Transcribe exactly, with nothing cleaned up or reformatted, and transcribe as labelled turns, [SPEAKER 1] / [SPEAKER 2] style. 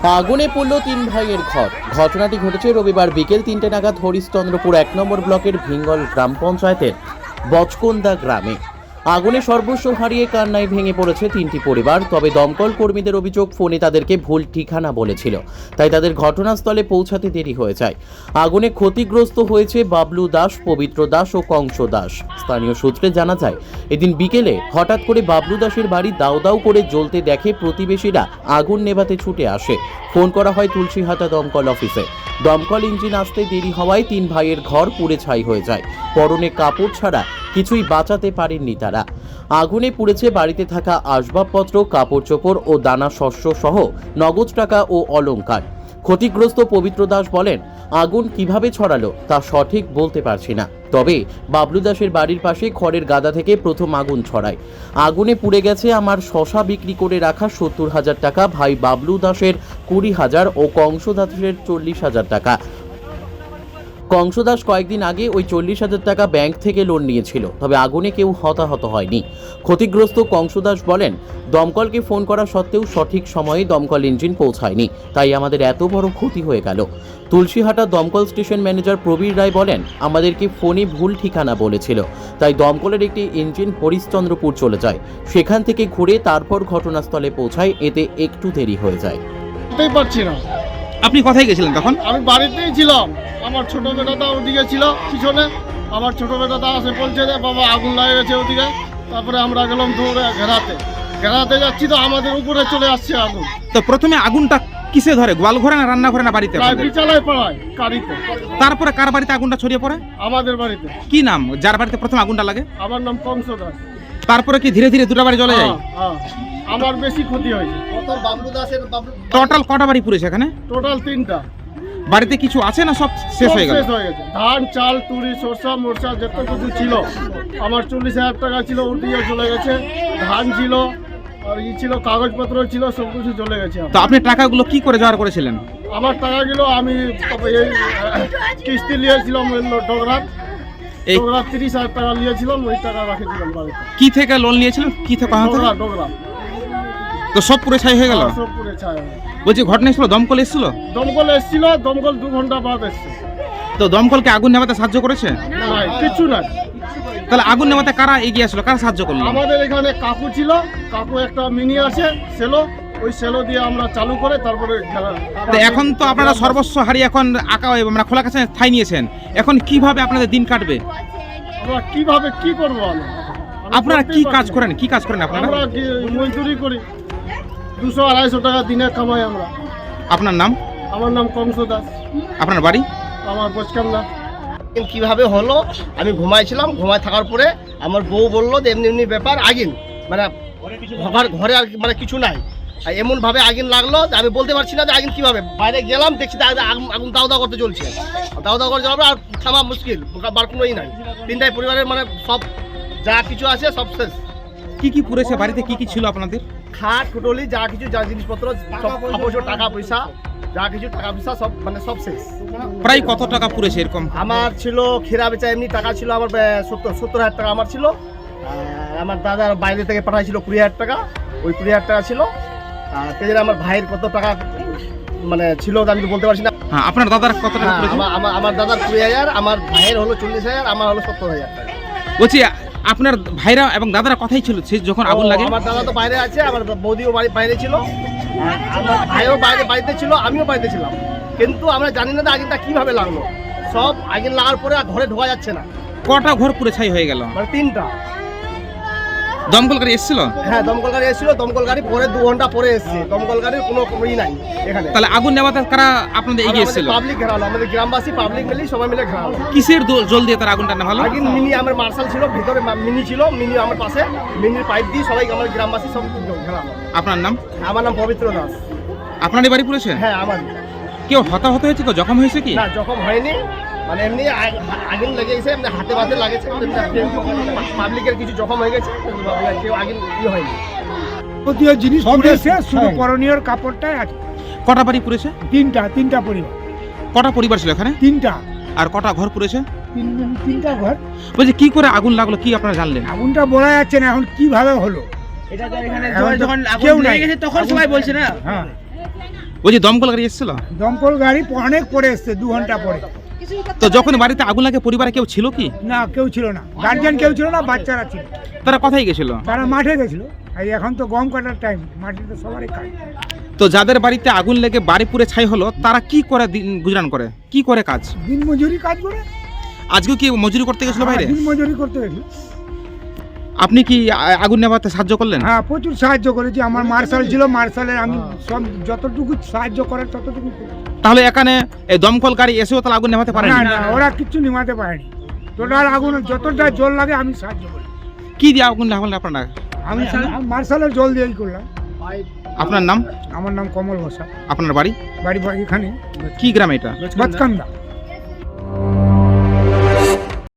[SPEAKER 1] আগুনে পড়ল তিন ভাইয়ের ঘর। ঘটনাটি ঘটেছে রবিবার বিকেল তিনটে নাগাদ হরিশ্চন্দ্রপুর এক নম্বর ব্লকের ভিঙ্গল গ্রাম পঞ্চায়েতের বচকন্দা গ্রামে। আগুনে সর্বস্ব হারিয়ে কান্নায় ভেঙে পড়েছে তিনটি পরিবার। তবে দমকল কর্মীদের অভিযোগ, ফোনে তাদেরকে ভুল ঠিকানা বলেছিল, তাই তাদের ঘটনাস্থলে পৌঁছাতে দেরি হয়ে যায়। আগুনে ক্ষতিগ্রস্ত হয়েছে বাবলু দাস, পবিত্র দাস ও কংস দাস। স্থানীয় সূত্রে জানা যায়, এদিন বিকেলে হঠাৎ করে বাবলু দাসের বাড়ি দাউ দাউ করে জ্বলতে দেখে প্রতিবেশীরা আগুন নেভাতে ছুটে আসে। ফোন করা হয় তুলসীহাটা দমকল অফিসে। দমকল ইঞ্জিন আসতে দেরি হওয়ায় তিন ভাইয়ের ঘর পুড়ে ছাই হয়ে যায়। পরনে কাপড় ছাড়া কিছুই বাঁচাতে পারেননি তারা। আগুনে পুড়েছে বাড়িতে থাকা আসবাবপত্র, কাপড় চোপড় ও দানা শস্য সহ নগদ টাকা ও অলংকার। ক্ষতিগ্রস্ত পবিত্র দাস বলেন, আগুন কিভাবে ছড়ালো তা সঠিক বলতে পারছি না, তবে বাবলু দাসের বাড়ির পাশে খড়ের গাদা থেকে প্রথম আগুন ছড়ায়। আগুনে পুড়ে গেছে আমার শশা বিক্রি করে রাখা সত্তর হাজার টাকা, ভাই বাবলু দাসের কুড়ি হাজার ও কংস দাসের চল্লিশ হাজার টাকা। কংস দাস কয়েকদিন আগে ওই চল্লিশ হাজার টাকা ব্যাংক থেকে লোন নিয়েছিল, তবে আগুনে কেউ হতাহত হয়নি। ক্ষতিগ্রস্ত কংস দাস বলেন, দমকলকে ফোন করা সত্ত্বেও সঠিক সময়ে দমকল ইঞ্জিন পৌঁছায়নি, তাই আমাদের এত বড় ক্ষতি হয়ে গেল। তুলসীহাটা দমকল স্টেশন ম্যানেজার প্রবীর রায় বলেন, আমাদেরকে ফোনে ভুল ঠিকানা বলেছিল, তাই দমকলের একটি ইঞ্জিন হরিশ্চন্দ্রপুর চলে যায়। সেখান থেকে ঘুরে তারপর ঘটনাস্থলে পৌঁছায়, এতে একটু দেরি হয়ে যায়।
[SPEAKER 2] পারছি না।
[SPEAKER 3] আপনি কোথায় গেছিলেন তখন?
[SPEAKER 2] আমি বাড়িতেই ছিলাম। আমার ছোট বেটাটা ওদিকে ছিল পিছনে। আমার ছোট বেটাটা আসে বলছে যে বাবা আগুন লাগে গেছে ওদিকে। তারপরে আমরা গেলাম দৌড়ে ঘেরাতে ঘেরাতে যাচ্ছি, তো আমাদের উপরে চলে আসছে আগুন।
[SPEAKER 3] তো প্রথমে আগুনটা কিসে ধরে? গোয়াল ঘরে না রান্না ঘরে না বাড়িতে?
[SPEAKER 2] বিচালায় পাড়ায় কারিতে।
[SPEAKER 3] তারপরে কার বাড়িতে আগুনটা ছড়িয়ে পড়ে?
[SPEAKER 2] আমাদের বাড়িতে।
[SPEAKER 3] কি নাম যার বাড়িতে প্রথম আগুনটা লাগে?
[SPEAKER 2] আমার নাম কংস দাস।
[SPEAKER 3] তারপরে কি ধীরে ধীরে দুটো বাড়ি জ্বলে যায়?
[SPEAKER 2] হ্যাঁ, আমার বেশি ক্ষতি হয়েছে।
[SPEAKER 3] টোটাল কটা বাড়ি পুড়েছে এখানে?
[SPEAKER 2] টোটাল তিনটা।
[SPEAKER 3] বাড়িতে কিছু আছে না সব শেষ হয়ে গেল?
[SPEAKER 2] শেষ হয়ে গেছে। ধান, চাল, তুরি, সরষা, মোরসা যত কিছু ছিল, আমার চল্লিশ হাজার টাকা ছিল, ওটিও চলে গেছে। ধান ছিল আর ই ছিল, কাগজপত্র ছিল, সব কিছু চলে গেছে।
[SPEAKER 3] তো আপনি টাকাগুলো কি করে জোগাড় করেছিলেন?
[SPEAKER 2] আমার টাকাগুলো আমি এই কিস্তি নিয়েছিলাম ডোগরার।
[SPEAKER 3] এই
[SPEAKER 2] ডোগরার তিরিশ হাজার টাকা নিয়েছিলাম, ওই টাকা রাখেছিলাম বাড়িতে।
[SPEAKER 3] কি থেকে লোন নিয়েছিলেন? কি থেকে?
[SPEAKER 2] ডোগরা ডোগরা
[SPEAKER 3] তো সব পুরো ছাই হয়ে গেল?
[SPEAKER 2] সব পুরো ছাই হয়ে গেল।
[SPEAKER 3] বলছি ঘটনা এসেছিল, দমকল এসেছিল?
[SPEAKER 2] দমকল এসেছিল, দমকল দু ঘন্টা বাদ এসছে।
[SPEAKER 3] তো দমকলকে আগুন নেভাতে সাহায্য করেছে?
[SPEAKER 2] না, কিছু না।
[SPEAKER 3] তাহলে আগুন নেভাতে কারা এগিয়ে আসলো, কারা সাহায্য করলো?
[SPEAKER 2] আমাদের এখানে কাকু ছিল, কাকু একটা মিনি আছে সেলো, ওই সেলো দিয়ে আমরা চালু করে তারপরে।
[SPEAKER 3] তো এখন তো আপনারা সর্বস্ব হারিয়ে এখন আঁকা মানে খোলা কাছে ঠাই নিয়েছেন, এখন কিভাবে আপনাদের দিন কাটবে?
[SPEAKER 2] আমরা কিভাবে কি করবো? আমরা
[SPEAKER 3] আপনারা কি কাজ করেন? কি কাজ করেন আপনারা?
[SPEAKER 2] আমরা মজদুরি করি, দুশো আড়াইশো টাকা দিনে কামাই আমরা।
[SPEAKER 3] আপনার নাম?
[SPEAKER 2] আমার নাম কংস দাস।
[SPEAKER 3] আপনার বাড়ি?
[SPEAKER 2] আমার বচকান্দা।
[SPEAKER 4] কিভাবে হলো, আমি ঘুমাইছিলাম, ঘুমায় থাকার পরে আমার বউ বললো যে এমনি এমনি ব্যাপার, আগুন মানে ঘর ঘরে আর মানে কিছু নাই, আর এমন ভাবে আগুন লাগলো যে আমি বলতে পারছি না যে আগুন কিভাবে। বাইরে গেলাম, দেখছি আগুন দাও দাও করতে চলছে, দাও দাও করে জ্বলাবে, আর থামা মুশকিল, বার কোনোই নাই। তিনটাই পরিবারের মানে সব যা কিছু আছে সব শেষ।
[SPEAKER 3] কি কি পুড়েছে বাড়িতে? কি কি ছিল আপনাদের?
[SPEAKER 4] খাট কুটলি যা কিছু, যা জিনিসপত্র সব, টাকা পয়সা যা কিছু, টাকা পয়সা সব মানে সব শেষ।
[SPEAKER 3] প্রায় কত টাকা পুড়েছে এরকম?
[SPEAKER 4] আমার ছিল খেরা বেচা এমনি টাকা ছিল আমার সত্তর সত্তর হাজার টাকা আমার ছিল। আমার দাদার বাইরে থেকে পাঠাইছিল কুড়ি হাজার টাকা, ওই কুড়ি হাজার টাকা ছিল। আর সেদিন আমার ভাইয়ের কত টাকা মানে ছিল আমি তো বলতে পারছি না।
[SPEAKER 3] হ্যাঁ, আপনার দাদার কত টাকা পুড়েছে?
[SPEAKER 4] আমার দাদার কুড়ি হাজার, আমার ভাইয়ের হলো চল্লিশ হাজার, আমার হলো সত্তর হাজার টাকা।
[SPEAKER 3] বলছি আপনার ভাইরা এবং দাদারা কথাই ছিল সে যখন আগুন লাগে?
[SPEAKER 4] আমার দাদা তো বাইরে আছে, আমার বৌদিও বাইরে ছিল, আমার ভাইও বাইরে বাড়িতে ছিল, আমিও বাড়িতে ছিলাম। কিন্তু আমরা জানি না যে আগুনটা কিভাবে লাগলো। সব আগুন লাগার পরে আর ঘরে ঢোকা যাচ্ছে না।
[SPEAKER 3] কটা ঘর পুরো ছাই হয়ে গেল?
[SPEAKER 4] মানে তিনটা।
[SPEAKER 3] দমকল গাড়ি এসেছিল?
[SPEAKER 4] হ্যাঁ, দমকল গাড়ি এসেছিল, দমকল গাড়ি পরে দু ঘন্টা পরে এসেছে। দমকল গাড়ির কোনো ই নাই এখানে।
[SPEAKER 3] তাহলে আগুন নেভাতে কারা আপনাদের এগিয়ে এসেছিল?
[SPEAKER 4] পাবলিক ঘেরালো, আমাদের গ্রামবাসী পাবলিক মিলে সবাই মিলে ঘেরালো।
[SPEAKER 3] কিসের জল দিয়ে তার আগুনটা নেভালো?
[SPEAKER 4] আগুন মিনি আমার মার্শাল ছিল, ভিতরে মিনি ছিল, মিনি আমার পাশে, মিনির পাইপ দিয়ে সবাই আমার গ্রামবাসী সব ঘেরালো।
[SPEAKER 3] আপনার নাম?
[SPEAKER 4] আমার নাম পবিত্র দাস।
[SPEAKER 3] আপনারই বাড়ি পুড়েছে?
[SPEAKER 4] হ্যাঁ, আমার।
[SPEAKER 3] কেউ হতাহত হয়েছে? কেউ জখম হয়েছে কি?
[SPEAKER 4] না, জখম হয়নি, মানে এমনি আগুন লেগে গেছে, এমনি হাতে বাতে লাগেছে, পাবলিকের কিছু জখম হয়ে গেছে, কেউ আগুন ই হয়নি।
[SPEAKER 5] জিনিস পুড়েছে, শুধু করণীয় কাপড়টাই আছে।
[SPEAKER 3] কটা বাড়ি পুড়েছে?
[SPEAKER 5] তিনটা তিনটা পরিবার।
[SPEAKER 3] কটা পরিবার ছিল এখানে?
[SPEAKER 5] তিনটা।
[SPEAKER 3] আর কটা ঘর পুড়েছে?
[SPEAKER 5] তিনটা ঘর।
[SPEAKER 3] বলছি কি করে আগুন লাগলো, কি আপনারা জানলেন?
[SPEAKER 5] আগুনটা বলা যাচ্ছে না এখন কিভাবে হলো।
[SPEAKER 6] এটা তো এখানে যখন আগুন লেগে গেছে তখন সবাই বলছে না।
[SPEAKER 5] হ্যাঁ,
[SPEAKER 3] ওই যে দমকল গাড়ি এসেছিল,
[SPEAKER 5] দমকল গাড়ি অনেক পরে এসছে, দু ঘন্টা পরে।
[SPEAKER 3] তো যখন বাড়িতে আগুন লাগে পরিবারে কেউ ছিল কি?
[SPEAKER 5] না, কেউ ছিল না, গার্জিয়ান কেউ ছিল না, বাচ্চারা ছিল।
[SPEAKER 3] তারা কোথায় গেছিল?
[SPEAKER 5] তারা মাঠে গেছিল। আর এখন তো গম কাটার টাইম, মাঠে তো সবারই কাজ।
[SPEAKER 3] তো যাদের বাড়িতে আগুন লেগে বাড়ি পুড়ে ছাই হলো তারা কি করে দিন গুজরান করে, কি করে কাজ?
[SPEAKER 5] দিন মজুরি কাজ করে।
[SPEAKER 3] আজকে কি মজুরি করতে গেছিল বাইরে?
[SPEAKER 5] দিন মজুরি করতে গেছিল।
[SPEAKER 3] আপনি কি আ- আগুন নেভাতে সাহায্য করলেন?
[SPEAKER 5] হ্যাঁ, প্রচুর সাহায্য করেছি। আমার মার্শাল ছিল, মার্শালের আমি সব যতটুকু সাহায্য করার ততটুকু করেছি।
[SPEAKER 3] তাহলে এখানে এই দমকল গাড়ি এসেও তাহলে আগুন নেভাতে পারেন?
[SPEAKER 5] না না, ওরা কিচ্ছু নিমাতে পারেনি। টোটাল আগুন যতটা জল লাগে আমি সাহায্য করি।
[SPEAKER 3] কি দিয়ে আগুন নেভালেন আপনারা?
[SPEAKER 5] আমি মার্শালের জল দিয়েই করলাম।
[SPEAKER 3] আপনার নাম?
[SPEAKER 5] আমার নাম কমল বসা,
[SPEAKER 3] আপনার বাড়ি
[SPEAKER 5] বাড়ি বাড়ি এখানে
[SPEAKER 3] কি গ্রাম এটা?
[SPEAKER 5] বাতকান্দা।